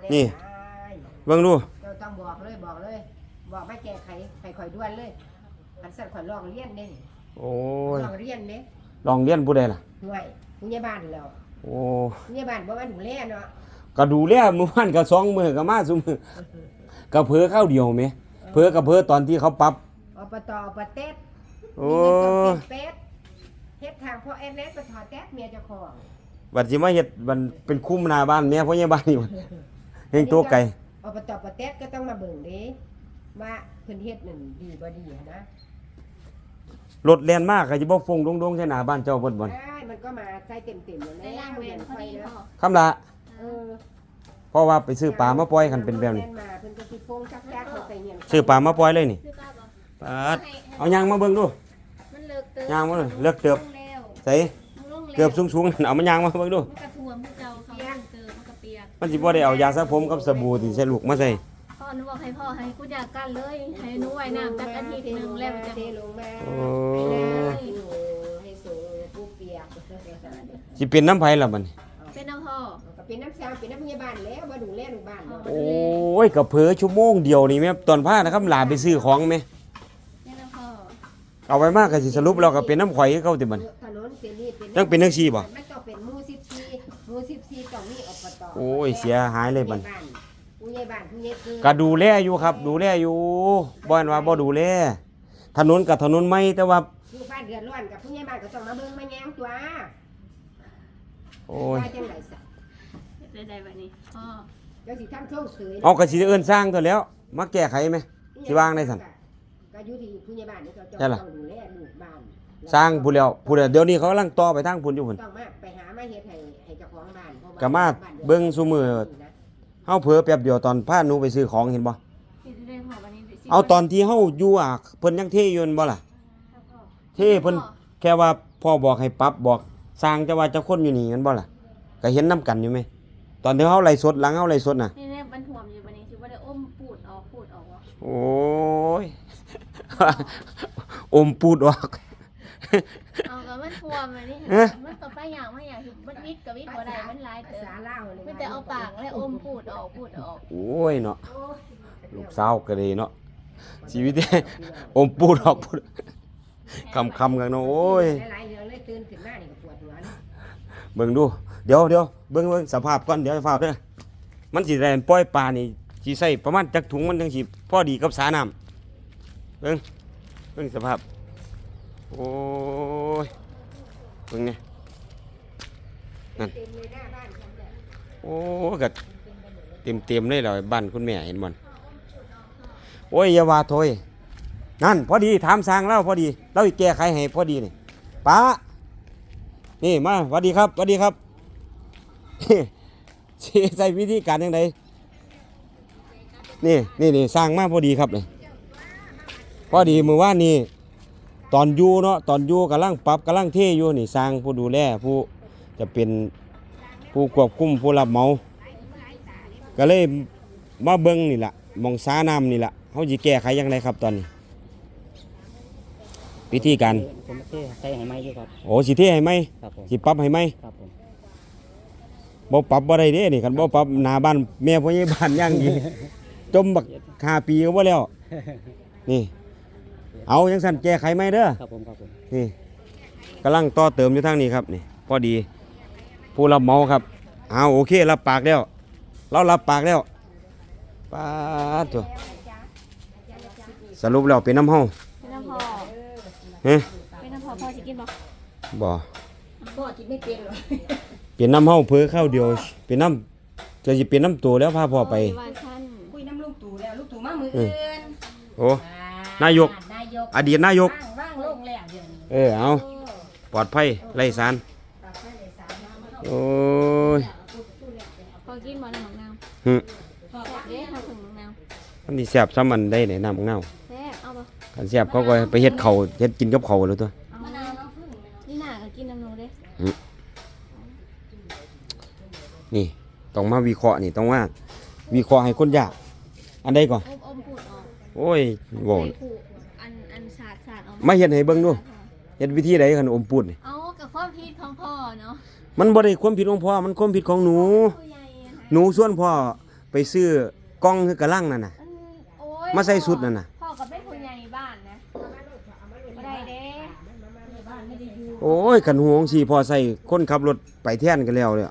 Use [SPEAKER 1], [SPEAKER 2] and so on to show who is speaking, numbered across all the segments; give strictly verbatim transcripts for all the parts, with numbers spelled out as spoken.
[SPEAKER 1] นี่เบิ่งดู
[SPEAKER 2] เราต้องบอกเลยบอกเลยบอกไม่แก้ไขไขข่อยด้วนเลยอันสั่นข่อยลองเรียนเด้
[SPEAKER 1] โอ้ย
[SPEAKER 2] ลองเรียนเด้
[SPEAKER 1] ลองเรียนผู้ใดล่ะ
[SPEAKER 2] ห่วยผู้ใหญ่บ้านแล้ว
[SPEAKER 1] โอ้
[SPEAKER 2] ผู้ใหญ่บ้านบ่ว่าดูแลเนาะ
[SPEAKER 1] ก็ดูแลมื้อวานก็สองมื้อก็มาซุมื้อก็เผลอข้าวเดียวแหมเผลอก็เผลอตอนที่เขาปรับ
[SPEAKER 2] อบตอบเต็ด
[SPEAKER 1] โอ้
[SPEAKER 2] เป็ดเฮ็ดทางพ่อเอ็นเล็กไปถอดแต๊ดเมียเจ้าของ
[SPEAKER 1] บัดสิมาเฮ็ดมันเป็นคุ้มหน้าบ้านแม่พ่อใหญ่บ้านนี่มันเฮงตัวไก่
[SPEAKER 2] อบตปเต็ดก็ต้องมาเบิ่งเด้ว่าเพิ่นเฮ็ดนั่นดีบ่ดีนะ
[SPEAKER 1] รถแล่นมากก็สิบ่ฟงดงๆใส่หน้าบ้านเจ้าเบิดบ่
[SPEAKER 2] ได้มันก็มาใส่เต็มๆอยู่ใน
[SPEAKER 3] ล่างเวนพอดีพ่อ
[SPEAKER 1] คำละ
[SPEAKER 2] เออ
[SPEAKER 1] เพราะว่าไปซื้อปลามาปล่อยกันเป็นแบบนี้ซื้อปลามาปล่อยเลยนี่ปลาเอายางมาเบิ่งดู
[SPEAKER 3] มันเลิกเติบ
[SPEAKER 1] ยางมาเลิกเติบใส่เกือบสูงๆเอามายางมาเบิ่งดู
[SPEAKER 3] มันกระท่วมผู้เจ้าเขาเลิกเติบมันกระเปียก
[SPEAKER 1] มันสิบ่ได้เอายาสระผมกับสบู่ที่ใส่ลูกมาใส่
[SPEAKER 3] พ่อหนูบอกให้พ่อให้กูอยากกันเลยให้หนูไว้น้ำจักอาทิตย์นึงแล้วจะ
[SPEAKER 2] เทลงมา
[SPEAKER 1] โอ้
[SPEAKER 2] ให้สูงผู้เปียก
[SPEAKER 1] สิเป็นน้ำไผล่ะบัดนี้
[SPEAKER 3] เป็นน้ำพ่อ
[SPEAKER 2] ก็เป็นน้ำซาวเป็นน้ำพยาบาลแล้วบ่ดูแลลูกบ้าน
[SPEAKER 1] โอ้ยก็เผลอชั่วโมงเดียวนี่แม่ตอนพานะครับหลานไปซื้อของแม่
[SPEAKER 3] เป็นน้ำพ่อ
[SPEAKER 1] เอาไว้มากก็สิสรุปแล้วก็เป็นน้ำข่อยคือเก่าติบัดนี้
[SPEAKER 2] ถนนเส้นนี้เป็น
[SPEAKER 1] จังเป็นจังซี่บ่
[SPEAKER 2] มันต้องเป็นหมู่สิบสี่หมู่สิบสี่ต้องมีอบต
[SPEAKER 1] โอ้ยเสียหายเลยบัด
[SPEAKER 2] ผู้ใหญ่บ้านผู้ใหญ่คือ
[SPEAKER 1] ก็ดูแลอยู่ครับดูแลอยู่บ่อันว่าบ่ดูแลถนนกับถนนใหม่แต่ว่า
[SPEAKER 2] ผู้บ้านเดือดร้อนกับผู้ใหญ่บ้านก็ต้องมาเบิ่งมาแย้งตัว
[SPEAKER 1] โอ้ย
[SPEAKER 2] จังได๋ซะ
[SPEAKER 3] ได้ๆบัดนี้พ่อ
[SPEAKER 2] เดี๋ยวสิทำโชคเสย
[SPEAKER 1] เอาก็สิเอิ้นสร้างตัวแล้วมาแก้ไขมั้ยสิวางได้ซั่น
[SPEAKER 2] ก็อยู่ที่ผู้ใหญ่บ้านนี่เขาต้องดูแลลูกบ้าน
[SPEAKER 1] สร้างผู้แล้วผู้เดี๋ยวนี้เขากำลังต่อไปทางพุ่นอยู่พุ่น
[SPEAKER 2] ต้องมาไปหามาเฮ็ดให้ให้เจ้าของบ้าน
[SPEAKER 1] ก็มาเบิ่งซุมื้อเฮาเผลอแป๊บเดียวตอนพาหนูไปซื้อของเห็นบ่เอาตอนที่เฮาอยู่อ่ะเพิ่นยังเทอยู่นั่นบ่ล่ะเทเพิ่นแค่ว่าพ่อบอกให้ปรับบอกสร้างจะว่าจะคนอยู่นี่แม่นบ่ล่ะก็เห็นนํกันอยู่มั้ยตอนที่เฮาไล่สดหลังเฮาไล่สดน่ะ
[SPEAKER 3] นี่ๆมันท่วมอยู่บัดนี้สิบ่ได้อมปูดออกปูดออกบ่
[SPEAKER 1] โอ้ยอมปูดออก
[SPEAKER 3] เอาก็มันท่วมอันนี้มันก็ไปอย่างมาอย่างมันวิดก็วิดบ่ได้มันหลายเติบมันแต่เอาปากแล้วอมปูดออกปูดออก
[SPEAKER 1] โอ้ยเนาะลูกสาวก็ดีเนาะชีวิตอมปูดออกปูดคำๆกันเนาะโอ้ย
[SPEAKER 2] หลายๆเดือนเลยตื่นขึ้นมานี่ก็ปวดหัว
[SPEAKER 1] เบิ่งดูเดี๋ยวเดี๋ยวเบิ่งเบิ่งสภาพก่อนเดี๋ยวสภาพเด้อมันสิได้ปล่อยปลานี่สิใส่ประมาณจักถุงมันจังสิพอดีกับสาน้ำเบิ่งเบิ่งสภาพโอ้ยเบิ่งนี่นั่นโอ้ก็เต็มๆเลยแล้วบ้านคุณแม่เห็นบ่โอ้ยอย่าว่าโถยนั่นพอดีถามสร้างแล้วพอดีเราแก้ไขให้พอดีนี่ป้านี่มาสวัสดีครับสวัสดีครับใส่วิธีการยังไงนี่นี่นี่สร้างมาพอดีครับเลยพอดีเมื่อวานนี้ตอนอยู่เนาะตอนอยู่กำลังปรับกำลังเทอยู่นี่สร้างผู้ดูแลผู้จะเป็นผู้ควบคุมผู้รับเหมาก็เลยมาเบิ้งนี่แหละมองสาน้ำนี่แหละเขาจะแก้ไขยังไงครับตอนนี้วิธีการ
[SPEAKER 4] ผมเทใส่ให้ไหมอยู่ครับ
[SPEAKER 1] โอ้สิเทให้ไหมสิปรับให้ไหม
[SPEAKER 4] ครับผม
[SPEAKER 1] บ่ปรับบ่ได้เด้นี่คันบ่ปรับหน้าบ้านแม่พ่อใหญ่บ้านย่างอีจมบักห้าปีก็บ่แล้วนี่เอาจังซั่นแก้ไขไหมเด้อ
[SPEAKER 4] ครับผมครับผม
[SPEAKER 1] นี่กำลังต่อเติมอยู่ทางนี้ครับนี่พอดีผู้รับเหมาครับเอาโอเครับปากแล้วเรารับปากแล้วปาดตัวสรุปแล้วเป็นน้ำเฮา
[SPEAKER 3] เป็นน้ำพ่อ
[SPEAKER 1] เฮ้
[SPEAKER 3] เป็นน้ำพ่อพ่อสิกินบ่
[SPEAKER 1] บ่
[SPEAKER 2] พ่อกินไม่เป็นหรอก
[SPEAKER 1] เป็นน้ำเฮาเพื่อข้าวเดียวเป็นน้ำจะสิเป็นน้ำตัวแล้วพาพ่อไป
[SPEAKER 2] คุยน้ำลูกตู่แล้วลูกตู่มามืออื่น
[SPEAKER 1] โอ้นายกอดีตนายก
[SPEAKER 2] ว่างลงแล้วเดี๋ยวนี้
[SPEAKER 1] เออเอาปลอดภัยไร้สารโอ้ย
[SPEAKER 3] พอกินบ่น้ำมะนาว
[SPEAKER 1] ฮึ
[SPEAKER 3] แซ่บเด้ถ้าถึงมะนาว
[SPEAKER 1] มันสิแซ่บซ้ำมันได้ไหนน้ำมะนาว
[SPEAKER 3] แซ่บเอาบ่
[SPEAKER 1] คันแซ่บเขาก็ไปเฮ็ดข้าวเฮ็ดกินกับข้าวเลยตัว
[SPEAKER 3] มะนาวน้ำผึ้งนี่น่าก็กินน้ำนูเด้
[SPEAKER 1] นี่ต้องมาวิเคราะห์นี่ต้องว่าวิเคราะห์ให้คนยากอันใดก่อน
[SPEAKER 3] อมพูดออก
[SPEAKER 1] โอ้ยโว้
[SPEAKER 3] อันอันสาดสาดออก
[SPEAKER 1] มาเฮ็ดให้เบิ่งดูเฮ็ดวิธีใดคันอมปูดนี่
[SPEAKER 3] เอากับความผิดของพ่อเนาะ
[SPEAKER 1] มันบ่ได้ความผิดของพ่อมันความผิดของหนูหนูส่วนพ่อไปซื้อกล้องคือกระลังนั่นน่ะ
[SPEAKER 3] อืมโอ้ย
[SPEAKER 1] มาใส่สุดนั่นน่ะ
[SPEAKER 3] พ่อกับแม่ผู้ใหญ่บ้านนะบ่ได้เด้
[SPEAKER 1] โอ้ยกันห่วงสิพอใส่คนขับรถไปแท่นกันแล้วเนี่ย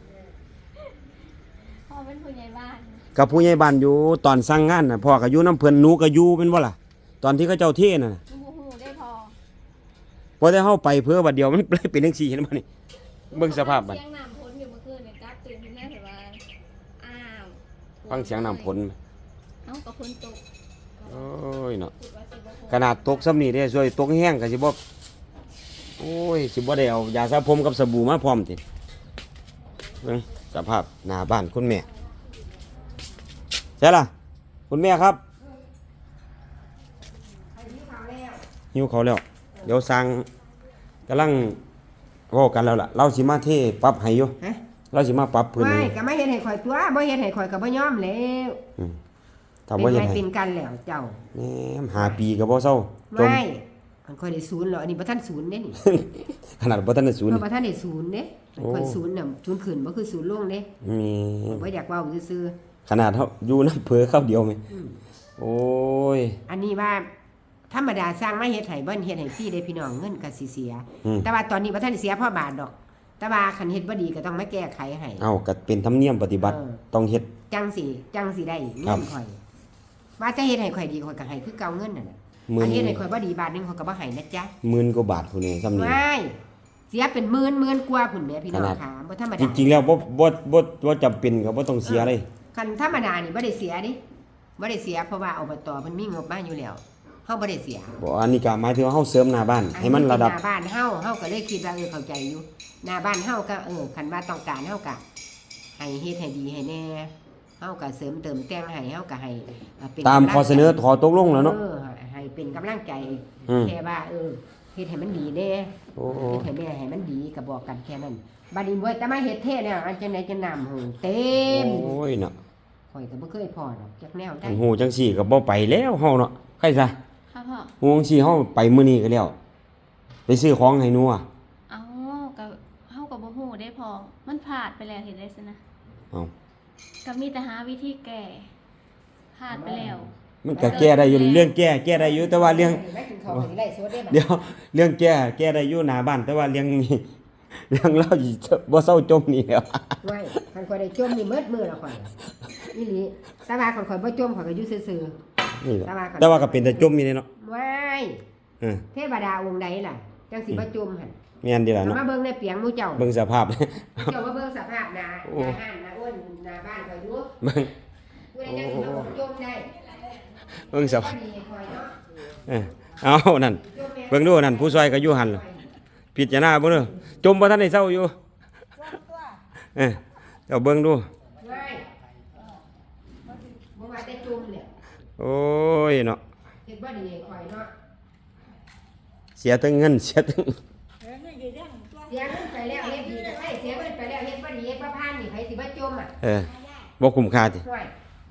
[SPEAKER 3] พ่อเป็นผู้ใหญ่บ้าน
[SPEAKER 1] กับผู้ใหญ่บ้านอยู่ตอนสั่งงานน่ะพ่อก็อยู่น้ำเพิ่นหนูก็อยู่เป็นบ่ล่ะตอนที่เขาเจ้าเทน่ะ
[SPEAKER 3] ฮู้ฮู้ได้พอ
[SPEAKER 1] พอได้เฮาไปเพื่อบัดเดียวมันเลยเป็นจังซี่เห็นบ่นี่เบิ่งสภาพบัด
[SPEAKER 3] เสียงน้ำพ้นอยู่เมื่อคืนเนี่ยกลับตื่นขึ้นมาเห็นว่าอ้าว
[SPEAKER 1] ฟังเสียงน้ำฝน
[SPEAKER 3] เอ้าก็ฝนตก
[SPEAKER 1] โอ้ยเนาะ
[SPEAKER 3] คิดว่าสิบ่ตก
[SPEAKER 1] ขนาดตกซ้ำนี่เด้ช่วยตกแห้งก็สิบ่โอ้ยสิบ่ได้เอายาสระผมกับสบู่มาพร้อมติเบิ่งสภาพหน้าบ้านคุณแม่ใช่ล่ะคุณแม่ครับหิวเขาวแล้วเดี๋ยวสั่งกำลังเว้ากันแล้วล่ะเราสิมาเทปรับให้อยู่
[SPEAKER 2] ฮะ
[SPEAKER 1] เราสิมาปรับพื้น
[SPEAKER 2] ไม่
[SPEAKER 1] ให้
[SPEAKER 2] ก็ไม่เฮ็ดให้ข่อยตัวบ่เฮ็ดให้ข่อยก็บ่ยอมแล้ว
[SPEAKER 1] อืมถ้า
[SPEAKER 2] เป็
[SPEAKER 1] บ่
[SPEAKER 2] น
[SPEAKER 1] เฮ็ด
[SPEAKER 2] ไง
[SPEAKER 1] ให้
[SPEAKER 2] เป็นกันแล้วเจ้า
[SPEAKER 1] แหมหาปีก็บ่เซาจม
[SPEAKER 2] ไม่มันข่อยได้ศูนย์เหรออันนี้บ่ทันศูนย์เด้นี่
[SPEAKER 1] ขนาดบ่ทันได้ศูนย์
[SPEAKER 2] เพ
[SPEAKER 1] นี่
[SPEAKER 2] ราะบ่ทันได้ศูนย์เด้
[SPEAKER 1] โอ้
[SPEAKER 2] ข่อยศูนย์น่ะศูนย์ขึ้นบ่คือศูนย์ลงเด้
[SPEAKER 1] มี
[SPEAKER 2] บ่อยากเว้าซื่อ
[SPEAKER 1] ขนาดเฮาอยู่น้ำเผลอเข้าวเดียวไหม
[SPEAKER 2] ๆอืม
[SPEAKER 1] โอ้ย
[SPEAKER 2] อันนี้ว่าธรรมดาสร้างมาเฮ็ดให้เบิ่นเฮ็ดให้ฟรีเด้พี่น้องเงินก็สิเสีย
[SPEAKER 1] อืม
[SPEAKER 2] แต่ว่าตอนนี้บ่ทันได้เสียเพราะบาทดอก แต่ว่าคันเฮ็ดบ่ดีก็ต้องมาแก้ไขให้
[SPEAKER 1] เอ้าก็เป็นธรรมเนียมปฏิบัติ
[SPEAKER 2] เออ
[SPEAKER 1] ต้องเฮ็ด
[SPEAKER 2] จังสิจังสิได้
[SPEAKER 1] ครั
[SPEAKER 2] เงิ
[SPEAKER 1] บ
[SPEAKER 2] นข่อยว่าจะเฮ็ดให้ข่อยดีข่อยก็ให้คือเก่าเงินนั่นน่ะ
[SPEAKER 1] หมื่น
[SPEAKER 2] อันเฮ็ดให้ข่อยบ่ดีบาทหนึงข่อยก็บ่ให้นะจ๊ะ
[SPEAKER 1] หมื่นกว่าบาทพุ่นนี่ซ้ำนี่
[SPEAKER 2] ไม่เสียเป็นหมื่นหมื่นกว่าพุ่นแหม่พี่น้อง
[SPEAKER 1] ขนาด
[SPEAKER 2] ค่ะบ่ธรรม
[SPEAKER 1] จ
[SPEAKER 2] ดา
[SPEAKER 1] ริงๆแล้วบ่บ่บ่บ่จำเป็นก็บ่ต้องเสียเลย
[SPEAKER 2] คันธรรมดานี่บ่ได้เสียดิบ่ได้เสียเพราะว่าอบตเพิ่นมีงบมาอยู่แล้วเฮาบ่ได้เสีย
[SPEAKER 1] บ่อันนี้ก็หมายถึงว่าเฮาเสริมหน้าบ้าน ให้มันระดับ
[SPEAKER 2] หน้าบ้านเฮาเฮาก็เลยคิดว่าเออเข้าใจอยู่หน้าบ้านเฮาก็เออคันว่าต้องการเฮาก็ให้เฮ็ดให้ดีให้แน่เฮาก็เสริมเติมแต่งให้เฮาก็ให้เอ่อเป็น
[SPEAKER 1] ตาม
[SPEAKER 2] กำลัง
[SPEAKER 1] ข้อเสนอขอตกลงแล้วเนาะ
[SPEAKER 2] เออให้เป็นกำลังใจ
[SPEAKER 1] อืม
[SPEAKER 2] แค่ว่าเออเฮ็ดให้มันดีแน่
[SPEAKER 1] โอ้
[SPEAKER 2] เฮ็ดให้แม่ให้มันดีก็บอกกันแค่นั้นบัดนี้บ่แต่มาเฮ็ดเทศเนี่ยอันจังไดจะน้ำหูเต็ม
[SPEAKER 1] โอ้ยเนาะ
[SPEAKER 2] ข่อยก็บ่เคยพอดอกจักแนวได้
[SPEAKER 1] อันฮู้จังซี่ก็บ่ไปแล้วเฮาเนาะใครซะ
[SPEAKER 3] ค่ะพ่อ
[SPEAKER 1] ฮู้จังซี่เฮาไปมื้อนี้ก็แล้ว ไปซื้อของให้หนูอ่ะ
[SPEAKER 3] เอ้าก็เฮาก็บ่ฮู้ได้พอมันพลาดไปแล้วเห็นได้ซินะ
[SPEAKER 1] เอ้า
[SPEAKER 3] ก็มีแต่หาวิธีแก้พลาดไปแล้ว
[SPEAKER 1] มันก็แก้ได้อยู่เรื่องแก้แก้ได้อยู่แต่ว่าเรื่อง
[SPEAKER 2] ไม่กินข้าวสิไล่สดได้บัด
[SPEAKER 1] เดี๋ยวเรื่องแก้แก้ได้อยู่หน้าบ้าน แต่ว่าเรื่องนี้ เรื่องเราสิบ่เศร้าจมนี่แหล้ว
[SPEAKER 2] ไว้คันข่อยได้จมนี่เมิดมือแล้วข่อยอีหลีแต่ว่าคันข่อยบ่จมข่อยก็อยู่ซื่อ
[SPEAKER 1] นี่แหละ
[SPEAKER 2] แต่ว่าก็
[SPEAKER 1] แต่ว่าก็เป็นแต่จมอยู่นี่เนาะ
[SPEAKER 2] ๆไว้
[SPEAKER 1] เออ
[SPEAKER 2] เทวดาองค์ใดล่ะจังสิบ่จมหั่น
[SPEAKER 1] แม่นดีล่ะ
[SPEAKER 2] เอา
[SPEAKER 1] เนาะ
[SPEAKER 2] มาเบิ่งในเปียงหมู่เจ้า
[SPEAKER 1] เบิ่งสภาพ
[SPEAKER 2] เจ้ามาเบิ่งสภาพหน้า
[SPEAKER 1] โอ้
[SPEAKER 2] หน้าห้านหน้าอ้วนหน้าบ้านข่อยอยู่
[SPEAKER 1] เบิ่ง
[SPEAKER 2] ผู้ใดจังสิมาบ่จมได้
[SPEAKER 1] เบิ่งส
[SPEAKER 2] บ่
[SPEAKER 1] ภาพ
[SPEAKER 2] ดีข่อยเนาะ
[SPEAKER 1] เออเอานั่นเบิ่งดูนั่นผู้ซอยก็อยู่หั่นล่ะพิจารณาเบิ่งเด้อจมบ่ทันได้เศร้าอยู่เออเจ้าเบิ่งดู
[SPEAKER 2] ไว้บ่ว่าแต่จมเนี่ย
[SPEAKER 1] โอ้ยเนาะ
[SPEAKER 2] เฮ็ดบ่ดีให้ข่อยเนาะ
[SPEAKER 1] เสียทั้งเงินเสียทั้ง
[SPEAKER 2] เสียเงินไปแล้วเฮ็ดดีก็ไปเสียเงินไปแล้วเฮ็ดบ่ดีเฮ็ดบ่ผ่านนี่ไผสิมาจมอ่ะ
[SPEAKER 1] เออบ่คุ้มค่าติ
[SPEAKER 2] ห่วย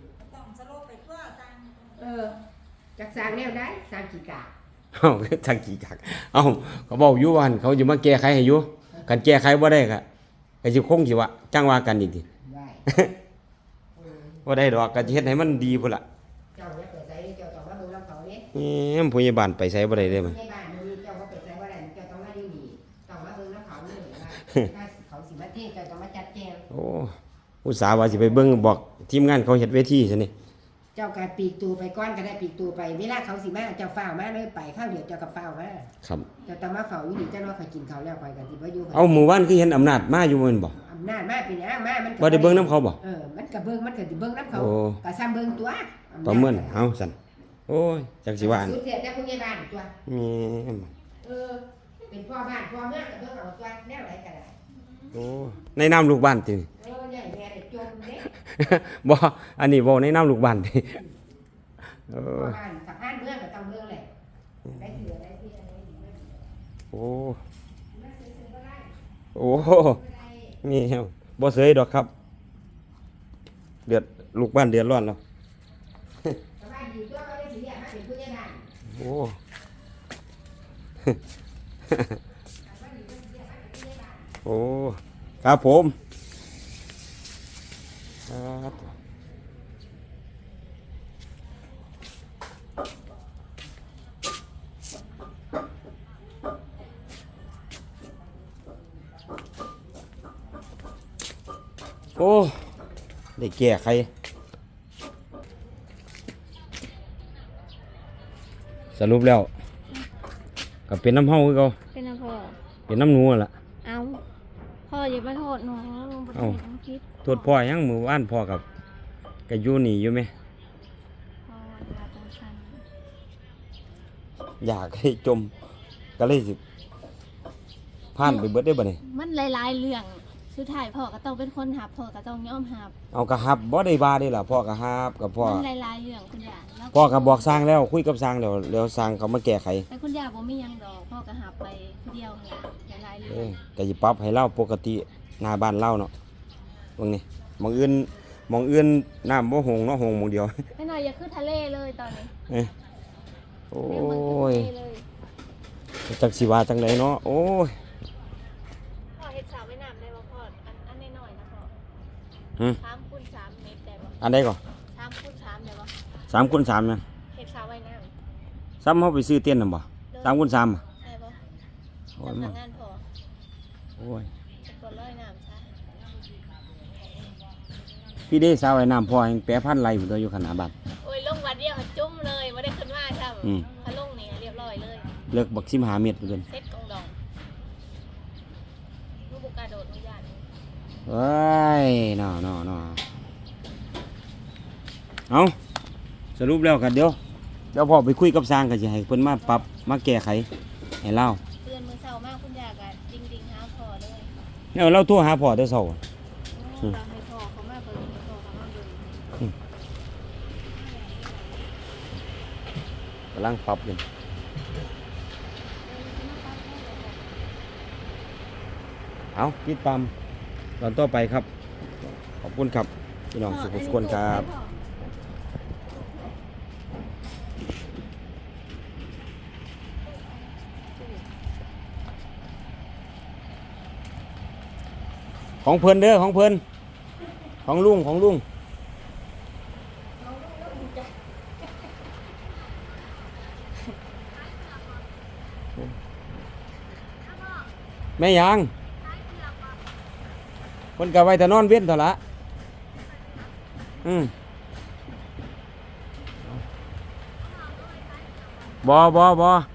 [SPEAKER 2] เออจักสร้างแนวใดสร้างกี่กะ
[SPEAKER 1] เอ้าทางกี่กักเอ้าเขาบอกอยู่ว่าหั่นเขาสิมาแก้ไขให้อยู่คันแก้ไขบ่ได้ก็ก็สิคงสิว่าจังว่ากันอีกติ
[SPEAKER 2] ได้
[SPEAKER 1] บ่ได้ดอกก็สิเฮ็ดให้มันดีพุ่นล่ะ
[SPEAKER 2] เจ้าอย่าไปใส่เจ้าต้องมาเบิ่งนำเขาเด้
[SPEAKER 1] แหมผู้ใหญ่บ้านไปไสบ่ได้เด้มัน
[SPEAKER 2] ในบ้านมันมีเจ้าบ่ไปใส่บ่ได้เจ้าต้องมาดีนี่ต้องมาเบิ่งนำเขาเลยว่าถ้าเขาสิมาเทศเจ้าต้องมาจัดแจง
[SPEAKER 1] โอ้อุตส่าห์ว่าสิไปเบิ่งบอกทีมงานเขาเฮ็ดเวทีซะนี่
[SPEAKER 2] เจ้าก็ปีกตูไปก้อนก็ได้ปีกตูไปเวลาเขาสิมาเจ้าฝ้าวมาเลยไปข้าวเดียวเจ้าก็ฝ้าวมา
[SPEAKER 1] ครับ
[SPEAKER 2] เจ้าต้องมาเฝ้าอยู่นี่เจ้าว่าเขากินข้าวแล้วข่อยก็สิบ่อยู่
[SPEAKER 1] เอาหมู่บ้านคือเห็นอำนาจมาอยู่แม่นบ่
[SPEAKER 2] อำนาจมาเป็นหยังมามันก็
[SPEAKER 1] บ่ได้เบิ่งนํเขาบ่
[SPEAKER 2] เออมันก็เบิ่งมันก็สิเบิ่งนํเขา
[SPEAKER 1] โอ้
[SPEAKER 2] ก็ซ้ำเบิ่งตัวอำนาจ
[SPEAKER 1] ประเมินเอาสั่นโอ้ยจักสิว่าอัน
[SPEAKER 2] สุดเสียแต่ผู้ใหญ่บ้านตัว
[SPEAKER 1] แม่น
[SPEAKER 2] เออเป็นพ่อบ้านพ่อเมืองก็เบิ่งเอาตัวแนวไหนก็ได้
[SPEAKER 1] โอ้ในนามลูกบ้านติ
[SPEAKER 2] เออใหญ่แม่ได้จมเด้
[SPEAKER 1] บ่อันนี้บ่ในนามลูกบ้านติเอ
[SPEAKER 2] พ่
[SPEAKER 1] อ
[SPEAKER 2] อบ้านสะพานเมืองก็ต้องเบิ่งแหละได้เสือได้ที่อะไรดีไม่ดี
[SPEAKER 1] โอ้
[SPEAKER 2] มาซื้อๆก็ได้
[SPEAKER 1] โอ้
[SPEAKER 2] ไม่ได้
[SPEAKER 1] มีแฮวบ่เสยดอกครับ เดือดลูกบ้านเดือดร้อนแล้ว
[SPEAKER 2] สบายดีตัวก็ได้สิเรียกมาเป็นผู้ใหญ่บ้าน
[SPEAKER 1] โอ้ โอ้ ครับผมครับโอ้ได้แก้ไขสรุปแล้วก็เป็นน้ำเฮาคือเก่า
[SPEAKER 3] เป็นน้ำพ่อ
[SPEAKER 1] เป็นน้ำหนูนั่นล่ะ
[SPEAKER 3] เอาพ่ออย่ามาโทษหนูลงไป
[SPEAKER 1] เอ้า
[SPEAKER 3] น้ำคิด
[SPEAKER 1] โทษพ่อยังมือว่านพ่อกับก็อยู่นี่อยู่ไหม
[SPEAKER 3] พ่อเวลาจังสัน
[SPEAKER 1] อยากให้จมก็เลยสิผ่านไปเบิดได้บ่นี่
[SPEAKER 3] มันหลายๆเรื่องสุดท้ายพ่อก็ต้องเป็นคนหับพ่อก็ต้องยอมหับ
[SPEAKER 1] เอากระหับบ่ได้บาได้ล่ะพ่อกระหับกับพ่อ
[SPEAKER 3] มันหลายๆเรื่องคุณย่าแล้ว
[SPEAKER 1] พ่อก็บอกสร้างแล้วคุยกับสร้างแล้วแล้วสร้างเขามาแก้ไข
[SPEAKER 3] แต่คุณย่าบ่มีหยังดอกพ่อก็หับไปผู้เดียวนั่นล่ะหลายๆ
[SPEAKER 1] เอ
[SPEAKER 3] เรื่อง
[SPEAKER 1] อก็สิปรับให้เล่าปกติหน้าบ้านเล่าเนาะเบิ่งนี่หมองอื่นหมองอื่นน้ำบ่หงเนาะหงหมองเดียว
[SPEAKER 3] ไม่หน่อยอย่าขึ้นทะเลเลยตอนนี้
[SPEAKER 1] เอ้ยโอ้
[SPEAKER 3] แม่เหมือนขึ้น
[SPEAKER 1] ย
[SPEAKER 3] ทะเลเลย
[SPEAKER 1] จักสิว่าจังไดเนาะโอ้ย
[SPEAKER 3] พ่อเฮ็ดสระว่ายน้ำได้บ่พ่ออันอันน้อยๆนะพ่อ
[SPEAKER 1] หึ
[SPEAKER 3] สามคูณสามเมตรได้บ่
[SPEAKER 1] อันใดก่อน
[SPEAKER 3] สามคูณสามได้บ่
[SPEAKER 1] สามคูณสามเนี่ย
[SPEAKER 3] เฮ็ดสระว่ายน้ำ
[SPEAKER 1] ซ้ำเฮาไปซื้อเต้นน่ะบ่สามคูณสามอะ
[SPEAKER 3] ได้บ่
[SPEAKER 1] โอ้ย
[SPEAKER 3] จำ
[SPEAKER 1] มั
[SPEAKER 3] นั
[SPEAKER 1] น
[SPEAKER 3] กงานพ่อ
[SPEAKER 1] โอ้ย
[SPEAKER 3] จะกดร้อยน้ำซะ
[SPEAKER 1] พี่เด้สาวไอ้น้ำพ่อยังแปรพันไหลอยู่ตัวอยู่ขนาดบ้าน
[SPEAKER 3] โอ้ยลงวัดเดียวจุ้มเลยบ่ได้ขึ้นมาซ้ำ
[SPEAKER 1] อืม
[SPEAKER 3] พอลงนี่เรียบร้อยเลย
[SPEAKER 1] เลิกบักสิบห้าเมตรพุ่นเด้อ
[SPEAKER 3] เซ็ตกองดองลูกบุกกระโดดลูกยาน
[SPEAKER 1] เอ้ยน้อน้อน้อเอาสรุปแล้วกันเดี๋ยวเดี๋ยวพ่อไปคุยกับสร้างก็สิให้เพิ่นมาปรับมาแก้ไขให้เล่า
[SPEAKER 3] เตือนมือเช้ามากคุณยากะจริงๆหาพ่อเลย
[SPEAKER 1] เนี่ยเราโทรหาพ่อแต่เช้า
[SPEAKER 3] โอ้เราให้พ่อเขามาเบิ่งให้พ่อเขามาเบิ่ง
[SPEAKER 1] กำลังปรับอยู่เอาติดตามตอนต่อไปครับ ขอบคุณครับพี่น้องสุขสุขคนครับ ของเพิ่นเด้อของเพิ่นของลุงของลุงแม่ยังเพิ่นก็ไว้แต่นอนเว้นเท่าละอืมบ่บ่บ่